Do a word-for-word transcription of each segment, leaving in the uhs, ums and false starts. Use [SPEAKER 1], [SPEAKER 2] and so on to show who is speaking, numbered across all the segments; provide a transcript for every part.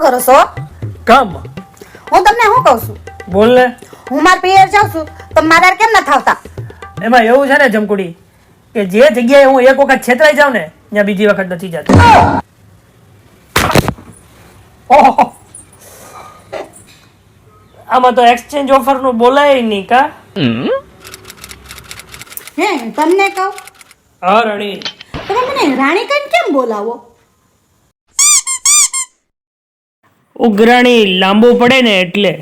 [SPEAKER 1] કરો છો?
[SPEAKER 2] કામ
[SPEAKER 1] હું તમને શું કહું છું,
[SPEAKER 2] બોલ ને.
[SPEAKER 1] હું મારા પિયર જાઉં છું તો મારા કેમ ન થાવતા?
[SPEAKER 2] એમાં એવું છે ને જમકુડી કે જે જગ્યાએ હું એક વખત છેતરાઈ જાઉં ને ત્યાં બીજી વખત નથી જતો. ઓહો, આમાં તો એક્સચેન્જ ઓફર નું બોલાય નહીં કા?
[SPEAKER 1] હે તમને કહું,
[SPEAKER 2] હા રણી,
[SPEAKER 1] તમે મને રાણી કઈ કેમ બોલાવો?
[SPEAKER 2] ઉઘરાણી લાંબુ પડે ને એટલે.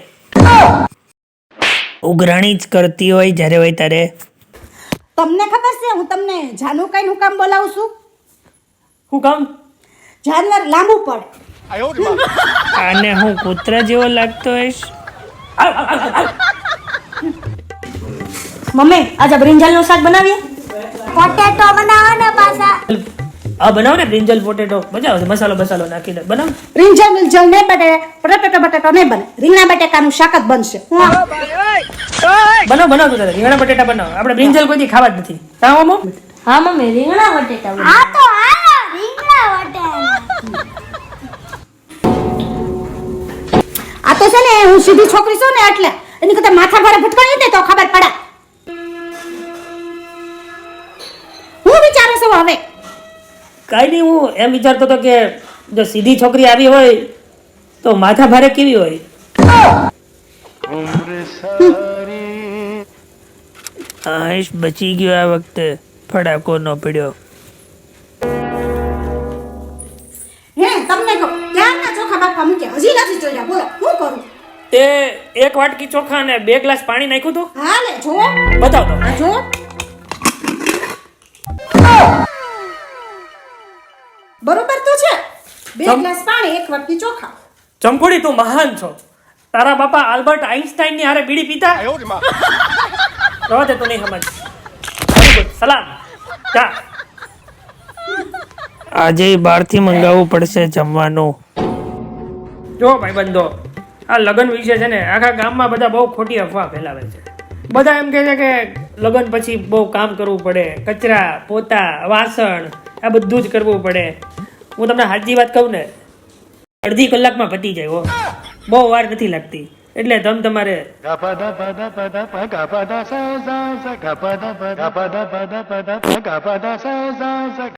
[SPEAKER 2] ઉઘરાણી જ કરતી હોય જ્યારે હોય ત્યારે.
[SPEAKER 1] તમને ખબર છે હું તમને જાનુ કઈ નું કામ બોલાવું છું?
[SPEAKER 2] હું કામ?
[SPEAKER 1] જાનવર લાંબુ પડ.
[SPEAKER 2] આને હું કૂતરા જેવો લાગતો હોઈશ?
[SPEAKER 1] મમ્મી આજે બ્રિંજલ નું શાક બનાવીએ. પોટેટો બનાવો ને પાછા.
[SPEAKER 2] આ બનાવ ને બ્રિંજલ પોટેટો મજા આવશે, મસાલો બસાલો નાખીને બનાવ.
[SPEAKER 1] બ્રિંજલ મિલજલ નહીં બને, પોટેટો બટેટો નહીં બને, રીંગણા બટેકાનું શાક જ બનશે.
[SPEAKER 2] બનાવ બનાવ તું તારે રીંગણા બટેટા બનાવ. આપણે બ્રિંજલ કોઈ દી ખાવા જ નથી. તા મમ્મો?
[SPEAKER 3] હા મમ્મી રીંગણા બટેટા બનાવો.
[SPEAKER 1] આ તો હાલો રીંગણા બટેટા. આ તો છે ને હું સીધી છોકરી છું ને એટલે એની કરતા માથા ભારે ભટકાઈ દે તો ખબર પડે. હું વિચારું છું હવે
[SPEAKER 2] કાંઈ નહીં, હું એમ વિચારતો હતો કે જો સીધી છોકરી આવી હોય તો માથા ભારે કેવી હોય? આઈશ બચી ગયો આ વખતે, ફડાકો ન પડ્યો.
[SPEAKER 1] હે તમને કહું ક્યારના ચોખા બાપા મૂકે હજી નથી જોયા, બોલો શું કરું?
[SPEAKER 2] તે એક વાટકી ચોખા અને બે ગ્લાસ પાણી નાખ્યું હતું?
[SPEAKER 1] હા લે જો
[SPEAKER 2] બતાવ તો.
[SPEAKER 1] આ જો બરોબર તો છે. બે
[SPEAKER 2] ચમ-
[SPEAKER 1] ગ્લાસ પાણી એક વાટકી ચોખા.
[SPEAKER 2] ચમકોડી તું મહાન છો. તારા બાપા આલ્બર્ટ આઇન્સ્ટાઈન ની હારે બીડી પીતા? રહો તે તું નહીં સમજ. Very good. સલામ. જા. આજે બહારથી મંગાવવું પડશે જમવાનું. જો ભાઈબંધો, આ લગ્ન વિશે છે ને આખા ગામમાં બધા બહુ ખોટી અફવા ફેલાવે છે. બધા એમ કહે છે કે લગ્ન પછી બહુ કામ કરવું પડે, કચરા પોતા વાસણ આ બધું જ કરવું પડે. હું તમને સાચી વાત કહું ને, અડધી કલાકમાં પતી જાય હો, બહુ વાર નથી લાગતી. એટલે તમ તમારે
[SPEAKER 4] Gapada pada pada pa gapada sa sa sa gapada pada pada pada pada pa gapada sa sa sa